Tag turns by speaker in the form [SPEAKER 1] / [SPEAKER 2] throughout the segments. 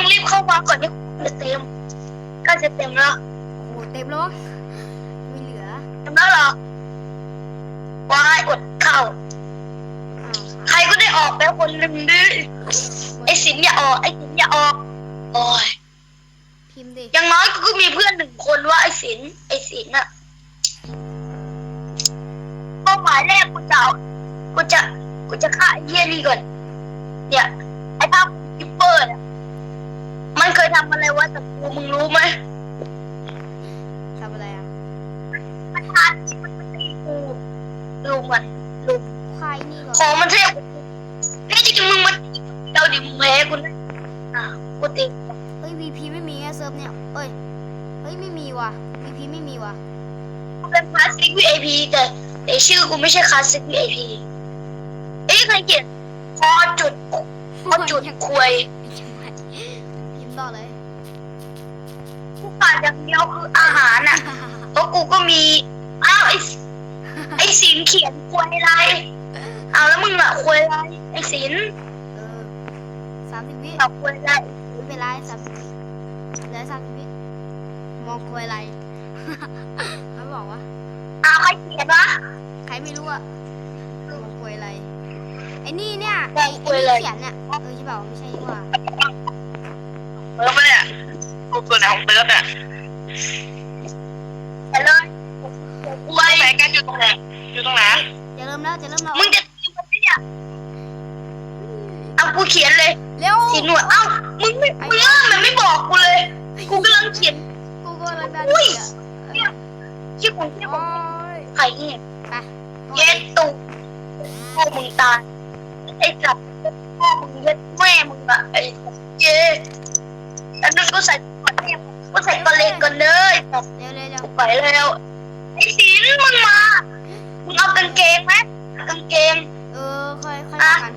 [SPEAKER 1] รีบเข้ามาก่อนที่จะเต็มก็จะเต็มแล้ว
[SPEAKER 2] โอ้เต็มแล้วไม่เหลือ
[SPEAKER 1] เต็มแล้วเหรอวายอดเข้าใครก็ได้ออกแล้วคนหนึ่งดิไอ้สินอย่าออกไอ้สินอย่าออกโอ้ย
[SPEAKER 2] พิมพ์ดิ
[SPEAKER 1] อย่างน้อยกูก็มีเพื่อนหนึ่งคนว่าไอ้สินอะเป้าหมายแรกกูจะฆ่าไอ้เหี้ยนี่ก่อนเนี่ยไอ้ภาพคิปเปอร์เนี่ยมันเคยทำอะไรวะแต่กูมึงรู้ไหม
[SPEAKER 2] ทำอะไรอ่ะ
[SPEAKER 1] มันทานที่มันตีกูลุม
[SPEAKER 2] ใครนี่เหรอ
[SPEAKER 1] ของมันเทพนี่จริงๆมึงมันเราดิมึงแพ้กูนะกูตี
[SPEAKER 2] เฮ้ย VP ไม่มีไงเซิร์ฟเนี่ยเฮ้ยไม่มีว่ะ VP ไม่มีว่ะ
[SPEAKER 1] กูเป็นคลาสสิก VIP แต่ชื่อกูไม่ใช่คลาสสิก VIP เอ้ยใครเขียนพอจุดควย
[SPEAKER 2] พิมพ์ต่อเลย
[SPEAKER 1] กูขาดอย่างเดียวคืออาหารน่ะเพราะกูก็มีอ้าวไอ้สินเขียนควยอะไรเอาแล้วมึงอะควยอะไรไอ้สิน
[SPEAKER 2] 30 วิ
[SPEAKER 1] เอาควยอะไร
[SPEAKER 2] ไม่เป็นไร30 วิเหลือ30 วิมองคุยอะไร เขาบอกว่า
[SPEAKER 1] เอาใครเขียนวะ
[SPEAKER 2] ใครไม่รู้อะมองคุยอะไรไอ้นี่เนี่ย
[SPEAKER 1] มองคุยอะไร
[SPEAKER 2] เขียนเนี่ยใช่เปล่าไม่ใช่ดีกว่า
[SPEAKER 1] เออปะเนี่ยกูตัวไหนของเติร์ดเนี่ยไปเลยกูไอ้กันอยู่ตรงไหน
[SPEAKER 2] จะเริ่มแล้ว
[SPEAKER 1] มึงจะตีมันเนี่ยเอากูเขียนเลย
[SPEAKER 2] เร็ว
[SPEAKER 1] สีหนวดเอ้ามึงมันไม่บอกกูเลยกูกำลังเขียน
[SPEAKER 2] กูก็เลยได้
[SPEAKER 1] อุ้ย
[SPEAKER 2] เนี่ย
[SPEAKER 1] ชื่อของที่
[SPEAKER 2] โอ้ย
[SPEAKER 1] ใครเนี่ย
[SPEAKER 2] ไป
[SPEAKER 1] เย็ดตุกพ่อมึงตายไอ้สัตว์พ่อมึงเย็ดแม่มึงอะไอ้เย่แล้วนึงก็ใส่ก่อนเนี่ยก็ใส่กระเลงกันเลยแบบ
[SPEAKER 2] เร็ว
[SPEAKER 1] ไปแล้วไอ้สินมึงมามึงเอากางเกงไหมกางเกง
[SPEAKER 2] ค่อยว่ากัน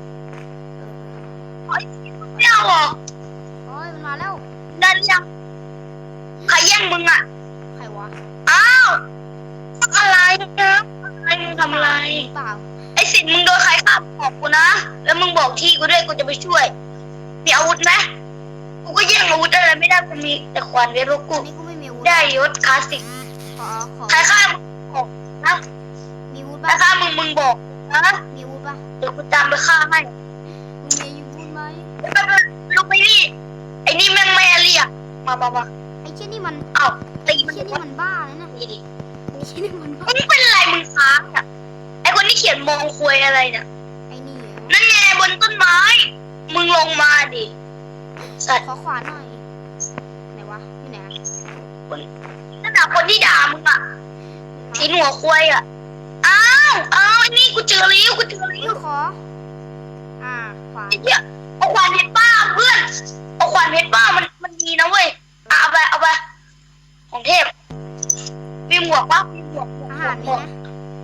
[SPEAKER 1] ไอ้สินไม่เอาหรอก
[SPEAKER 2] โอ้ยมันมาแล้ว
[SPEAKER 1] ได้หรือยังใครแย่งมึงอะ
[SPEAKER 2] ใครวะ
[SPEAKER 1] อ้าวอะไรนะอะไรมึงทำอะไร
[SPEAKER 2] เปล่า
[SPEAKER 1] ไอ้สินมึงโดนใครฆ่าบอกกูนะแล้วมึงบอกที่กูด้วยกูจะไปช่วยมีอาวุธไหมกูก็แย่งอาวุธอะไรไม่ได้กูมีแต่ขวานเวทกู
[SPEAKER 2] อันนี้กูไม่มีอาวุธ
[SPEAKER 1] ได้ยศคลาสสิก
[SPEAKER 2] ขอ
[SPEAKER 1] ใครฆ่ามึงบอกนะ
[SPEAKER 2] มีอาวุธ
[SPEAKER 1] ใคร
[SPEAKER 2] ป่ะ
[SPEAKER 1] ฆ่ามึงบอกนะ
[SPEAKER 2] มีอาวุธป่ะ
[SPEAKER 1] เดี๋ยวกูตามไปฆ่าให้
[SPEAKER 2] มึงมีอาวุธไหม
[SPEAKER 1] ไปลูกไปนี่ไอ้นี่แม่งแม่เรียกมา
[SPEAKER 2] ไอ้เชี่ยนี่มัน
[SPEAKER 1] เอ้าตี
[SPEAKER 2] ไอ้
[SPEAKER 1] มัน
[SPEAKER 2] เชี่ยนี่มันบ้าเลยนะ
[SPEAKER 1] นี่ดิ
[SPEAKER 2] ไอ้เชี่ยนี่มันบ้า
[SPEAKER 1] มึงเป็นอะไรมึงค้างอ่ะไอ้คนที่เขียนมองควยอะไรเนี่ย
[SPEAKER 2] ไอ้นี่
[SPEAKER 1] นั่นไงบนต้นไม้มึงลงมาดิสัตว์
[SPEAKER 2] ขอขวานหน่อยไหนวะอยู่ไหน
[SPEAKER 1] นั่นน่ะคนที่ด่ามึงอ่ะสีหนวดควยอ่ะอ้าวไอ้นี่กูเจอแล้ว
[SPEAKER 2] ขอขวาน
[SPEAKER 1] ไอ้เหี้ยเอาขวานเพชรบ้าเพื่อนเอาขวานเพชรบ้ามันดีนะเว้ยเอาไปของเทพมีหมวกปะมีหมวก
[SPEAKER 2] อาหารมีนะ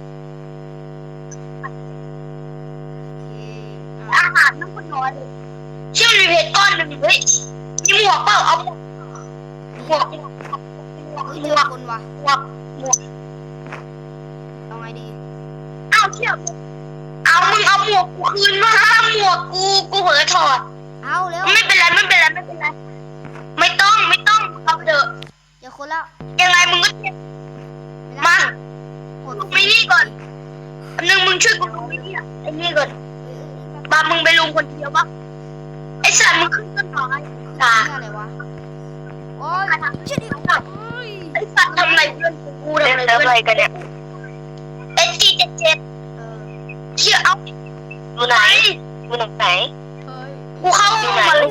[SPEAKER 1] อาหารนั่งคนน้อยเลยเชื่อมีเพชรก้อนหนึ่งเฮ้ยมีหมวกเปล่าเอาหมวก
[SPEAKER 2] เฮ้ยเจอคนวะ
[SPEAKER 1] หมวก
[SPEAKER 2] เอาไงดี
[SPEAKER 1] เอาเชี่ยเอามึงเอาหมวกกูคืนมาหมวกกูเผลอถอด
[SPEAKER 2] เอาเร็ว
[SPEAKER 1] ไม่เป็นไรไม่ต้องเอาไปเถอะ
[SPEAKER 2] เจอคนแล้ว
[SPEAKER 1] ยังไงมึงก็มาดูไม่นี่ก่อนอันนึงมึงช่วยกูดูไม่นี่ไอ้นี่ก่อนบามึงไปลุมคนเดียวปะไอ้สัตว์มึงขึ้นต้นไม้ตา
[SPEAKER 2] อะไรวะโอ้ยเชี่ยดิ
[SPEAKER 1] ไอ้สัตว์ทำอะไรเพื่อนกูทำอะไรเพื่อนกันเนี่ยSG77เชี่ยเอาอยู่ไหนกูเข้าห้องมาแล้ว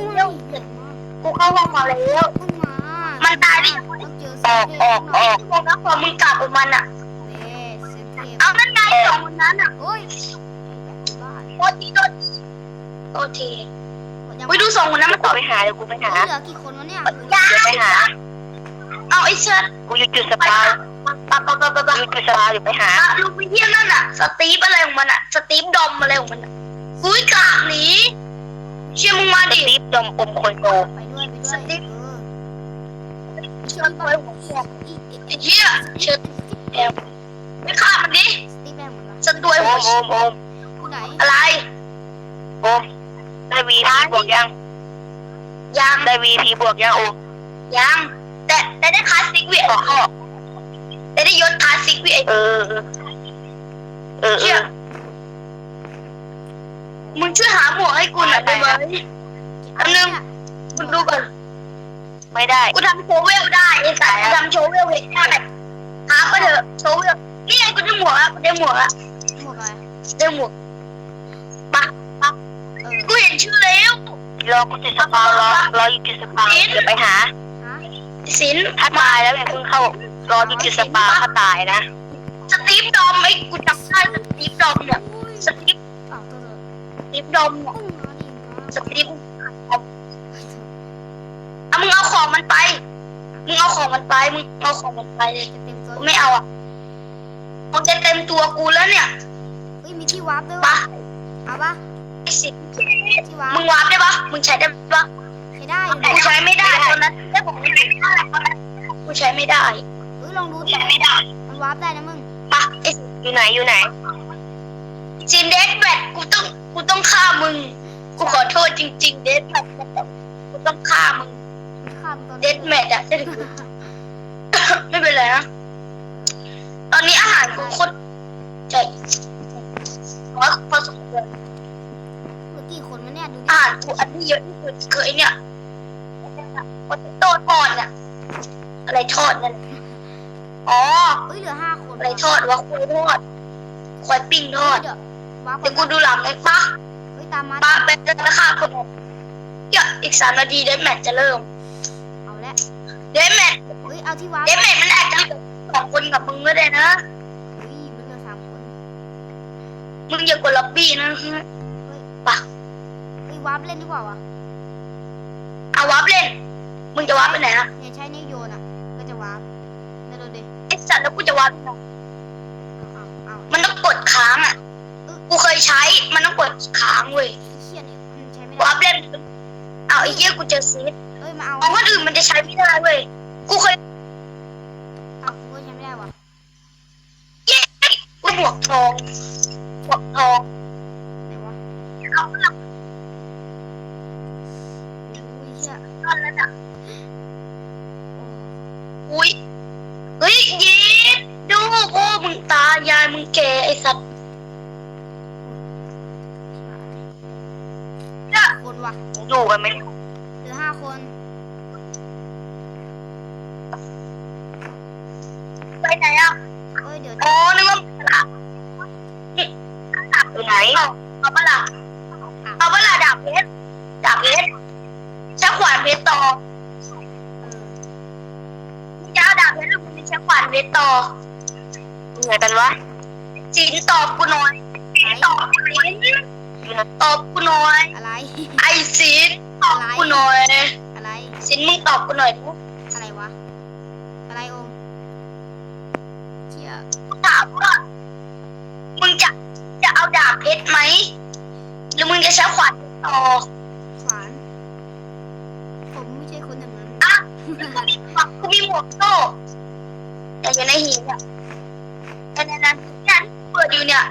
[SPEAKER 1] มันตายได้ยังไงออกบอกนะพอมึงกลับกับมันอ่ะเอานั่นไงสองคนนั้นอ่ะ
[SPEAKER 2] โอ้ย
[SPEAKER 1] โทษทีไปดูสองคนนั้นมันต่อไปหาเดี๋ยวกูไปหา
[SPEAKER 2] เหลือกี่คนวะเนี่ย
[SPEAKER 1] ไปหาเอาไอ้เชิญกูอยู่จุดสปาอยู่จุดสปาอยู่ไปหาลูกไปเยี่ยมนั่นอ่ะสตีฟอะไรของมันอ่ะสตีฟดอมอะไรของมันกูกราบหนีเชื่อมึงมาดิสตีฟดอมอมคนโต
[SPEAKER 2] ไปด้วยเชื่อ
[SPEAKER 1] มัน
[SPEAKER 2] ไป
[SPEAKER 1] คอยหัวแตกไอ้เหี้ยเชิญแอบไม่ฆ่ามันดิ
[SPEAKER 2] สตีแบงหมดละ
[SPEAKER 1] ฉันตัวหัว
[SPEAKER 2] ที่ไหน
[SPEAKER 1] อะไร
[SPEAKER 3] ได้วีพีบอกยัง
[SPEAKER 1] ไยังได้ VP บวกยังโอยังแต่ได้คลาสสิกวีไอแต่ได้ยศคลาสสิกวีไอเชื่อมึงช่วยหาหมวกให้กูหน่อยได้ไหมอันนึงมึงดูก่อนไม่ได้กูทำโชว์เวลได้ไอ้สายกูทำโชว์เวลได้หาไปเถอะโชว์เวลนี่ไงกูได้หมวกแล้วกูได้หมวกแล้ว
[SPEAKER 2] หมวกอะไร
[SPEAKER 1] ได้หมวกปะกูเห็นชื่อแล้วรอกูติดสปารออยู่ติดสปาเดี๋ยวไปหา
[SPEAKER 2] ฮะ
[SPEAKER 1] สินถ้าตายแล้วอย่าเพิ่งเข้ารออยู่ติดสปาถ้าตายนะสตีฟดอมไอ้กูจำได้สตีฟดอมเนี่ยสตีฟ
[SPEAKER 2] อ้าวตัว
[SPEAKER 1] สตีฟดอมเนี่ย
[SPEAKER 2] มาดิ
[SPEAKER 1] สตีฟเอามึงเอาของมันไปมึงเอาของมันไปมึงเอาของมันไปเลย
[SPEAKER 2] จะเต็มตัว
[SPEAKER 1] กูไม่เอาอ่ะมันจะเต็มตัวกูแล้วเนี่ย
[SPEAKER 2] เฮ้ยมีที่วาร์ปด้วย
[SPEAKER 1] ปะ
[SPEAKER 2] วะเอาปะ
[SPEAKER 1] ไอ้สิน
[SPEAKER 2] ที่วาร์ป
[SPEAKER 1] มึงวาร์ปได้ปะมึงใช้ได้ปะ
[SPEAKER 2] ใช้ได้อยู่
[SPEAKER 1] กูใช้ไม่ได้ตอนนั้นได้ผมไม่ได้กูใช้ไม่ได้
[SPEAKER 2] เฮ้ยลองดูดิมันวาร์ปได้นะมึง
[SPEAKER 1] ปะไอ้อยู่ไหนจินเดสแบทกูต้องฆ่ามึงกูขอโทษจริงๆเดสแบทกูต้องฆ่ามึง
[SPEAKER 2] ข้ามตัว
[SPEAKER 1] เดสแบทอะไม่เป็นไรนะตอนนี้อาหารกูโคตรใช่พอสมควร
[SPEAKER 2] เมื่อกี้คนมันเนี่ยดูดิ
[SPEAKER 1] อาหารกูอันนี้เยอะที่สุดคือไอเนี่ยโปเตโต้ทอดเนี่ยอะไรทอดนั่นอ๋อ
[SPEAKER 2] เฮ้ยเหลือ5 คน
[SPEAKER 1] อะไรทอดวะควายทอดควายปิ้งทอด
[SPEAKER 2] เดี๋ยววาร์ป
[SPEAKER 1] เดี๋ยวกูดูหลังเลยปะ
[SPEAKER 2] เฮ้ยตามมา
[SPEAKER 1] ปะไปเจอราคาคนเดี๋ยวอีก3 นาทีเดนแมทจะเริ่ม
[SPEAKER 2] เอาละ
[SPEAKER 1] เดนแมท
[SPEAKER 2] เฮ้ยเอาที่วาร์ป
[SPEAKER 1] เดนแมทมันอาจจะเหลือ2 คนกับมึงก็ได้นะ
[SPEAKER 2] เฮ้ยมันเหลือ3 คน
[SPEAKER 1] มึงอย่ากดล็อบบี้นะปะ
[SPEAKER 2] เฮ้ยวาร์ปเล่นดีกว่าวะ
[SPEAKER 1] เอาวาร์ปเล่นมึงจะวาร์ปไปไหนฮะ
[SPEAKER 2] เนี่ยใช้นิ้วโยนอ่ะก็จะวาร์ปเดี๋ยวดูดิ
[SPEAKER 1] ไอ้สัตว์แล้วกูจะวาร์ปไปไหน
[SPEAKER 2] เอา
[SPEAKER 1] มันต้องกดค้างอ่ะกูเคยใช้มันต้องกดค้างเว้ย
[SPEAKER 2] เชี่ยนี่มันใช้ไม่
[SPEAKER 1] วา
[SPEAKER 2] ได้
[SPEAKER 1] ร์ปเล่นเอาไอ้เหี้ยกูเจอซีด
[SPEAKER 2] เอ้ยมาเอา
[SPEAKER 1] ของคนอื่นมันจะใช้ไม่ได้เว้ยกูเคย
[SPEAKER 2] เอากูก็ใช้ไม่ได้วะ
[SPEAKER 1] เย้กูบวกทอง
[SPEAKER 2] ไหนวะ
[SPEAKER 1] เอาหลัก
[SPEAKER 2] อุ้ยเชี่ย
[SPEAKER 1] ตอนนั้นอ่ะ
[SPEAKER 2] โอ้
[SPEAKER 1] อุ้ยเฮ้ยยีดดูพ่อมึงตายายมึงแก่ไอสัตว์
[SPEAKER 2] คนวะ
[SPEAKER 1] อยู่กันไหม
[SPEAKER 2] เหลือ5 คน
[SPEAKER 1] ไปไหนอ่ะ
[SPEAKER 2] เอ้ยเดี๋ยว
[SPEAKER 1] อ๋อนึกว่าอยู่ไหนเอาปะล่ะเอาปะล่ะดาบเพชรใช้ขวานเพชรต่อมึงจะเอาดาบเพชรหรือมึงจะใช้ขวานเพชรต่อเหมือนกันวะจีนตอบกูหน่อยตอบกูหน่อย
[SPEAKER 2] อะไร
[SPEAKER 1] ไอสินตอบกูหน่อย
[SPEAKER 2] อะไร
[SPEAKER 1] สินมึงตอบกูหน่อยดิ
[SPEAKER 2] อะไรวะอะไรโอมเชี่ย
[SPEAKER 1] ถามว่ามึงจะเอาดาบเพชรไหมหรือมึงจะใช้ขวานต่อ
[SPEAKER 2] ขวานผมไม่ใช่คนอย่างนั้น
[SPEAKER 1] อ่ะกูมีหมวกโซ่แต่อยู่ในหินอ่ะแต่ในนั้นที่เปิดอยู่เนี่ย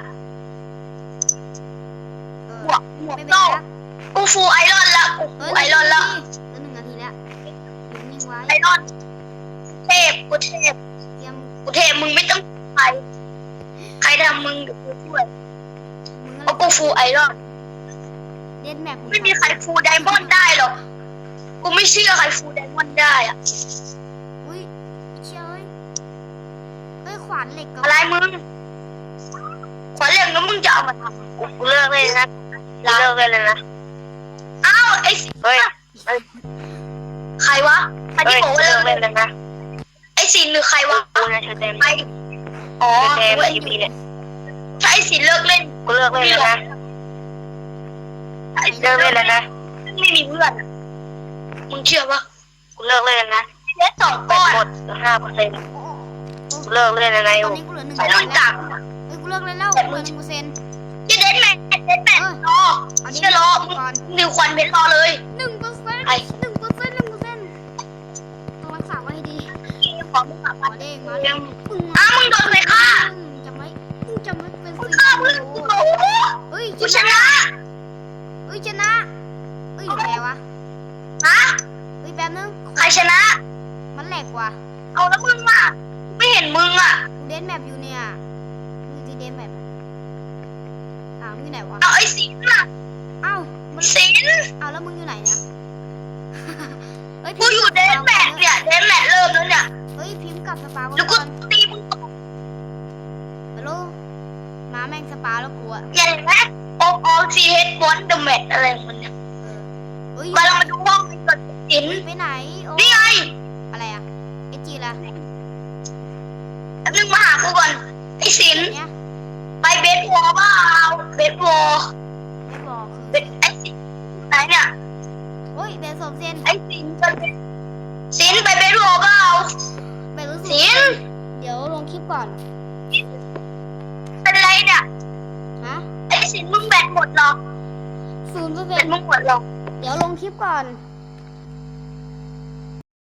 [SPEAKER 2] เออ
[SPEAKER 1] หมวก
[SPEAKER 2] ไม่เป็นไร
[SPEAKER 1] โซ่
[SPEAKER 2] ละ
[SPEAKER 1] กูฟูไอรอนละกูฟูไอรอนละ
[SPEAKER 2] เหลือ1 นาทีแล้วอยู่นิ่งไว้
[SPEAKER 1] ไอรอนเทพกูเทพ
[SPEAKER 2] เตรียม
[SPEAKER 1] กูเทพมึงไม่ต้องไปใครทำมึงเดี๋ยวกูช่วย
[SPEAKER 2] มึง
[SPEAKER 1] เพราะกูฟูไอรอน
[SPEAKER 2] เล่นแมป
[SPEAKER 1] ไม่มีใครฟูไดมอนด์ได้หรอกกูไม่เชื่อใครฟูไดมอนด์ได้อะ
[SPEAKER 2] อุ้ยเชี่ยเอ้ยขวานเหล็กกับ
[SPEAKER 1] อะไรมึงขอเรื่องแล้วมึงจะเอามาทำกูเลิกเลยนะเลิกเลยนะอ้าวไอ้เฮ้ยใครวะใครที่บอกว่าเลิกเลยนะไอ้สินหรือใครวะกูนะเธอเต็มไปอ๋อเต็มทีพีเนี่ยใช่สินเลิกเล่นกูเลิกเล่นแล้วนะเลิกเล่นแล้วนะไม่มีเพื่อนมึงเชื่อปะกูเลิกเล่นแล้วนะเล่น2 ก้อนหมด5%กูเลิกเล่นอะไร
[SPEAKER 2] ต
[SPEAKER 1] อ
[SPEAKER 2] อน
[SPEAKER 1] ยู่
[SPEAKER 2] นี้กูเหลือ1
[SPEAKER 1] ไปรุ่นจัก
[SPEAKER 2] เฮ้ยกูเลิกเล่นแล้วกูเหลือ1%
[SPEAKER 1] จะเด็ดแมนรอ
[SPEAKER 2] เอาดิ
[SPEAKER 1] เชื่อรอมึง
[SPEAKER 2] ก่อน
[SPEAKER 1] นิวควันเพชรรอเลย
[SPEAKER 2] 1%
[SPEAKER 1] ไอ้
[SPEAKER 2] ต้องรักษาไว้ให้ดี
[SPEAKER 1] ขอมึงกลับ
[SPEAKER 2] มา
[SPEAKER 1] มา
[SPEAKER 2] เด้ง
[SPEAKER 1] มึ
[SPEAKER 2] มาเด้ง
[SPEAKER 1] งโดนใครฆ่า
[SPEAKER 2] จะไม่เป็น
[SPEAKER 1] มึง
[SPEAKER 2] ซี
[SPEAKER 1] ฆ่าเพื่อนกู
[SPEAKER 2] เฮ้ย
[SPEAKER 1] กูชนะ
[SPEAKER 2] เฮ้ยชนะเฮ้ยแพ้วะ
[SPEAKER 1] ฮะ
[SPEAKER 2] ป๊บนึง
[SPEAKER 1] ใครชนะ
[SPEAKER 2] มันแหลกว่ะ
[SPEAKER 1] เอาแล้วมึงอ่ะไม่เห็นมึงอ่ะ
[SPEAKER 2] กูเดนแมปอยู่เนี่ยอยู่ที่เดนแมปมึงอยู่ไหนวะ
[SPEAKER 1] เอาไอ้สินอ่ะ
[SPEAKER 2] เอ้ามัน
[SPEAKER 1] สิน
[SPEAKER 2] เอาแล้วมึงอยู่ไหนเนี่ย เฮ้ย
[SPEAKER 1] กูอยู่เดนแมทเนี่ยเดนแมทเริ่มแล้วเนี่ย
[SPEAKER 2] เฮ้ยพิมพ์กับสปาก่
[SPEAKER 1] แล้วกู
[SPEAKER 2] อน
[SPEAKER 1] ตีมึงตก
[SPEAKER 2] ฮัลโหลมาแม่งสปาแล้วกูอะ
[SPEAKER 1] เนี่ยเห็นไหมโอซีเฮดวันเดอะแมทอะไรของมันเนี่ย
[SPEAKER 2] เฮ้ย
[SPEAKER 1] มาเรามาดูห้องกันก่อนสิน
[SPEAKER 2] ไปไหนโอ้
[SPEAKER 1] นี่ไง
[SPEAKER 2] อะไรอะเอจีละ
[SPEAKER 1] อันนึงมาหากูก่อนไอ้สิน
[SPEAKER 2] เนี่ย
[SPEAKER 1] ไปเบสวอลเปล่าเบสวอล
[SPEAKER 2] ไม่บอกคือ
[SPEAKER 1] เบสไอ้สินไหนเนี่ย
[SPEAKER 2] เฮ้ยเบสสมเซน
[SPEAKER 1] ไอ้สินไปสินไปเบสวอลเปล่า
[SPEAKER 2] เบสรู้สึก
[SPEAKER 1] สิน
[SPEAKER 2] เดี๋ยวลงคลิปก่อน
[SPEAKER 1] เป็นไรเนี่ย
[SPEAKER 2] ฮะ
[SPEAKER 1] ไอ้สินมึงแบตหมดเหรอ
[SPEAKER 2] 0%
[SPEAKER 1] แบตมึงหมดเหรอ
[SPEAKER 2] เดี๋ยวลงคลิปก่อน